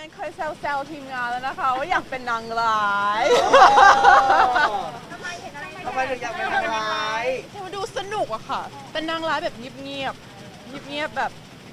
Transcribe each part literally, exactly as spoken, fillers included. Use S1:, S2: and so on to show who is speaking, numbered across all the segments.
S1: นเคยแซวๆทีมงานแล้วนะคะว่าอยากเป็นนางร้าย
S2: ทำไมเห็นอะไร
S3: ทำไมถึงอยากเป็นนางร้าย
S1: มันดูสนุกอะค่ะ เป็นนางร้ายแบบเงียบๆเงียบๆแบบ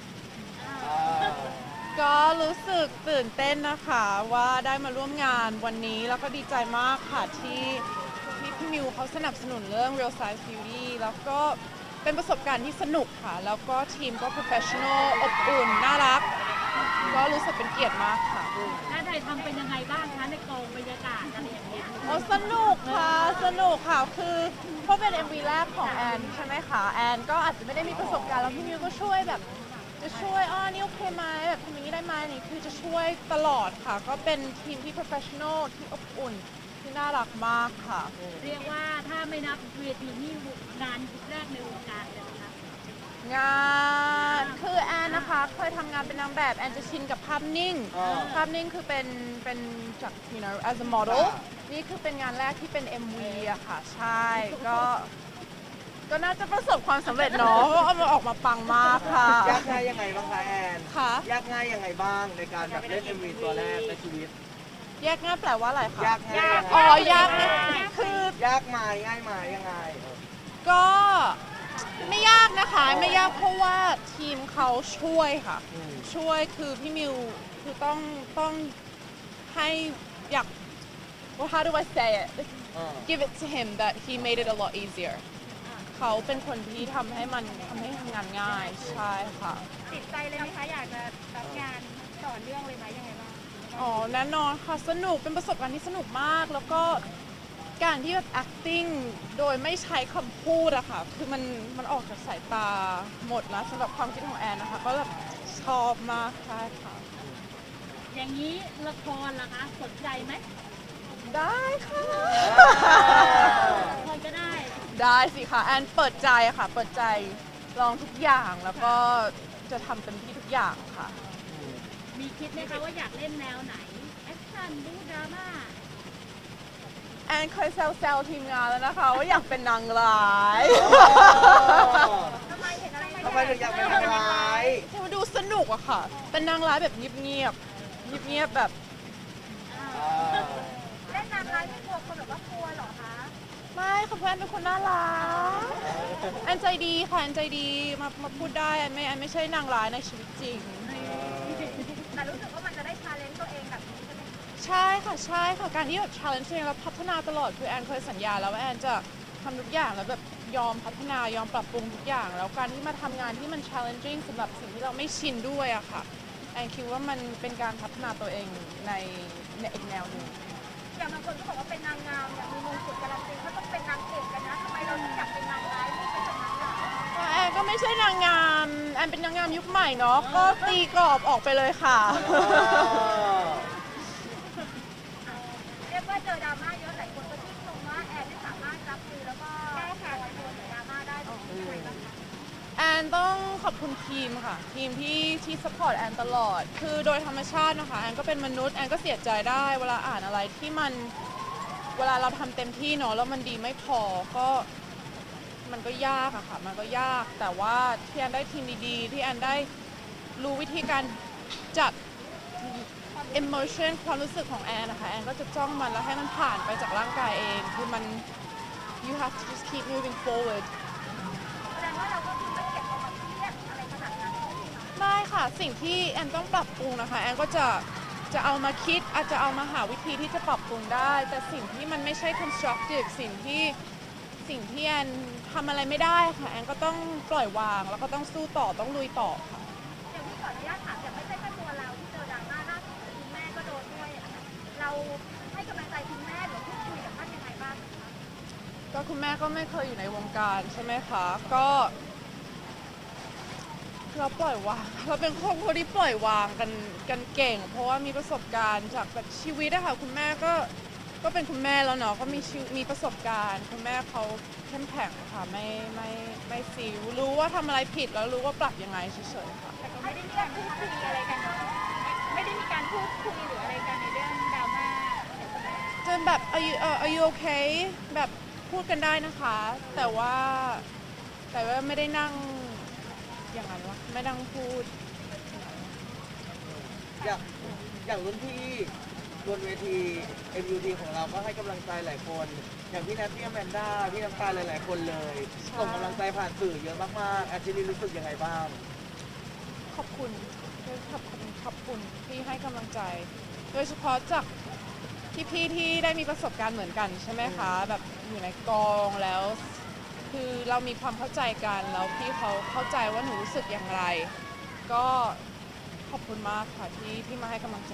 S1: ก็รู้สึกตื่นเต้นนะคะว่าได้มาร่วมงานวันนี้แล้วก็ดีใจมากค่ะที่ที่พี่มิวเขาสนับสนุนเรื่อง Real Size Beauty แล้วก็เป็นประสบการณ์ที่สนุกค่ะ แล้วก็ทีมก็ professional อบอุ่น น่ารัก ก็รู้สึกเป็นเกียรติมากค่ะ
S2: หน้าไทยทำเป็นยังไงบ้างคะในกองบรรยากาศอะไรอย่างเงี้ย
S1: โอ้สนุกค่ะ สนุกค่ะ คือเพราะเป็น เอ็ม วี แรกของแอนใช่ไหมคะ แอนก็อาจจะไม่ได้มีประสบการณ์แล้วพี่มิวก็ช่วยแบบจะช่วยอ๋อนี่โอเคไหมแบบทำอย่างนี้ได้ไหมนี่คือจะช่วยตลอดค่ะ ก็เป็นทีมที่ professional ที่อบอุ่นที่น่ารักมากค่ะ
S2: เรียกว่าถ้าไม่นับเวทีนี่งานแรกในวงการเลยนะคะ
S1: งานคือแอนนะคะเคยทำงานเป็นนางแบบแอนจะชินกับภาพนิ่ง
S3: อ่า
S1: ภาพนิ่งคือเป็นเป็นจาก you know as a model
S3: อ่า
S1: นี่คือเป็นงานแรกที่เป็น เอ็ม วี อะค่ะ ใช่ก็ก็น่าจะประสบความสำเร็จเนาะเพราะเอามาออกมาปังมากค่ะ
S3: ยากง่ายยังไงบ้างคะแอน
S1: ค่ะ
S3: ยากง่ายยังไงบ้างในการแบบเล่น เอ็ม วี ตัวแรกในชีวิต
S1: แยกง่ายแปลว่าอะไรคะ
S3: ยากง่ายยังไง
S1: อ๋อยากง่ายคือ
S3: ยากมาง่ายมายังไง
S1: ก็ไม่ยากนะคะไม่ยากเพราะว่าทีมเขาช่วยค่ะ
S3: อืม
S1: ช่วยคือพี่มิวคือต้องต้องให้อยาก well how do I say it
S3: เออ
S1: give it to him that he made it a lot easier เขาเป็นคนที่ทำให้มันทำให้ทำงานง่ายใช่ค่ะ
S2: ติดใจเลยไหมคะอยากจะรับงานต่อเนื่องเลยไหมยังไงบ้าง
S1: อ๋อแน่นอนค่ะสนุกเป็นประสบการณ์ที่สนุกมาก แล้วก็การที่แบบ acting โดยไม่ใช้คำพูดอะค่ะคือมันมันออกจากสายตาหมดนะสำหรับความคิดของแอนนะคะ ก็แบบชอบมากใช่ค่ะ
S2: อย่างนี้ละครล่ะคะสนใจไหม
S1: ได้ค่ะ
S2: ละครก็ได้
S1: ได้สิคะแอนเปิดใจค่ะ เปิดใจลองทุกอย่างแล้วก็จะทำเต็มที่ทุกอย่างค่ะ
S2: มีคิดไหมคะว่าอยากเล่นแนวไหนแอคชั่นบู๊ดราม่า
S1: แอนเคยแซวๆทีมงานแล้วนะคะว่าอยากเป็นนางร้าย
S2: ทำไมเห็นอะไร
S3: ทำไมถึงอยากเป็นนางร้าย
S1: มันดูสนุกอะค่ะ เป็นนางร้ายแบบเงียบๆเงียบๆแบบ
S2: เล่นนางร้ายไม่กลัวคนแบบว่ากลัวเหรอคะ
S1: ไม่ค่ะเพื่อนเป็นคนน่ารักแอนใจดีค่ะแอนใจดีมามาพูดได้แอนไม่แอนไม่ใช่นางร้ายในชีวิตจริง
S2: แต่รู้สึกว่ามันจะได้ชาเลนจ์ตัวเองแบบนี้ใช่ไหม
S1: ใช่ค่ะใช่ค่ะการที่แบบ challenge ตัวเองแล้วพัฒนาตลอดคือแอนเคยสัญญาแล้วว่าแอนจะทำทุกอย่างแล้วแบบยอมพัฒนายอมปรับปรุงทุกอย่าง แล้วการที่มาทำงานที่มัน challenging สำหรับสิ่งที่เราไม่ชินด้วยอะค่ะแอนคิดว่ามันเป็นการพัฒนาตัวเองในในอีกแนวหนึ่ง
S2: อย่างบางคนก็บอกว่าเป็นนางงามเนี่ยมีมงกุฎการันตีเขาต้องเป็นนางเอกกันนะทำไมเราถึงอยากเป็นนางร้ายไม่เป็นนางร้าย
S1: แอนก็ไม่ใช่นางงามแอนเป็นนางงามยุคใหม่เนาะก็ตีกรอบออกไปเลยค่ะ
S2: เรียกว่าเจอดราม่าเยอะหลายคนก็ชื่นชมว่าแอนไม่สามารถรับมือแล้วก็แก้ไขตัวดราม่าได้ตรงนี้ยังไงบ้างคะ
S1: แอนต้องขอบคุณทีมค่ะ ทีมที่ที่สปอร์ตแอนตลอด คือโดยธรรมชาตินะคะแอนก็เป็นมนุษย์แอนก็เสียใจได้เวลาอ่านอะไรที่มันเวลาเราทำเต็มที่เนาะแล้วมันดีไม่พอก็มันก็ยากอะค่ะ มันก็ยากแต่ว่าที่แอนได้ทีมดีๆ ที่แอนได้รู้วิธีการจัด emotion ความรู้สึกของแอนนะคะแอนก็จะจ้องมันแล้วให้มันผ่านไปจากร่างกายเองคือมัน you have to just keep moving forward
S2: แสดงว่าเราก็คือไม่เก็บเอามาเครียดอะไรขนาดนั้นใช่ไหมคะ
S1: ไม่ค่ะสิ่งที่แอนต้องปรับปรุงนะคะแอนก็จะจะเอามาคิดอาจจะเอามาหาวิธีที่จะปรับปรุงได้ แต่สิ่งที่มันไม่ใช่ constructive สิ่งที่สิ่งที่แอนทำอะไรไม่ได้ค่ะแอนก็ต้องปล่อยวางแล้วก็ต้องสู้ต่อต้องลุยต่อค่ะ
S2: เดี๋ยวพี่ขออนุญาตถามอย่างไม่ใช่แค่ตัวเราที่เจอดราม่าล่าสุดคุณแม่ก็โดนด้วยอะค่ะเราให้กำลังใจคุณแม่หรือพูดคุยกับท่านยังไงบ้างคะ
S1: ก็คุณแม่ก็ไม่เคยอยู่ในวงการใช่ไหมคะก็เราปล่อยวางเราเป็นครอบครัวที่ปล่อยวางกันกันเก่ง เพราะว่ามีประสบการณ์จากแบบชีวิตอะค่ะคุณแม่ก็ก็เป็นคุณแม่แล้วเนาะก็มีชีวิตมีประสบการณ์คุณแม่เขาเข้มแข็งค่ะไม่ไม่ไม่ซีวรู้ว่าทำอะไรผิดแล้วรู้ว่าปรับยังไงเฉยๆค่ะ
S2: แต่ก็ไม่ได้มีการพูดคุยอะไรกันเนาะไม่ได้มีการพูดคุยหรืออะไรกันในเรื่องดราม่าใช่ไหม
S1: จนแบบ are you เอ่อ are you okay แบบพูดกันได้นะคะ แต่ว่าแต่ว่าไม่ได้นั่งอย่างนั้นวะไม่นั่งพูด
S3: อยากอย่างรุ่นพี่บนเวที เอ็ม ยู ที ของเราก็ให้กำลังใจหลายคน อย่างพี่แนทพี่แมนด้าพี่น้ำตาลหลาย ๆ คนเลยส่งกำลังใจผ่านสื่อเยอะมากๆแอนจิลีรู้สึกยังไงบ้าง
S1: ขอบคุณขอบคุณขอบคุณที่ให้กำลังใจ โดยเฉพาะจากพี่ๆที่ได้มีประสบการณ์เหมือนกันใช่ไหมคะ แบบอยู่ในกองแล้ว คือเรามีความเข้าใจกันแล้วพี่เขาเข้าใจว่าหนูรู้สึกอย่างไร ก็ขอบคุณมากค่ะที่ที่มาให้กำลังใจ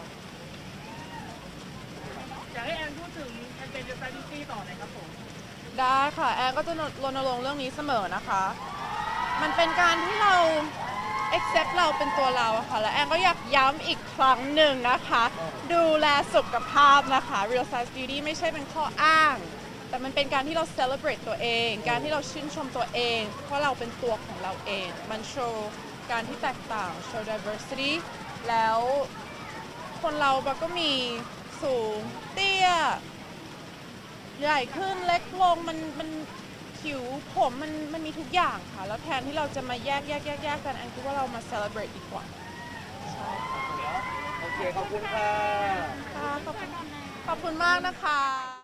S4: อยากให้แอนพูดถึงแอนเป็นเดอะแฟนตี้ต่อหน่อยครับผม
S1: ได้ค่ะ แอนก็จะรณรงค์เรื่องนี้เสมอนะคะ มันเป็นการที่เรา accept เราเป็นตัวเราอะค่ะ และแอนก็อยากย้ำอีกครั้งหนึ่งนะคะ ดูแลสุขภาพนะคะ Real Size Beauty ไม่ใช่เป็นข้ออ้าง แต่มันเป็นการที่เรา celebrate ตัวเอง การที่เราชื่นชมตัวเอง เพราะเราเป็นตัวของเราเอง มันโชว์การที่แตกต่าง show diversity แล้วคนเรามันก็มีสูงเตี้ย ใหญ่ขึ้นเล็กลงมันมันผิวผมมันมันมีทุกอย่างค่ะ แล้วแทนที่เราจะมาแยกแยกแยกแยกกันแอนคิดว่าเรามา celebrate ดีกว่า ใช่ค่ะ
S3: โอเค ขอบคุณค่ะ
S1: ค่ะขอบคุณขอบคุณมากนะคะ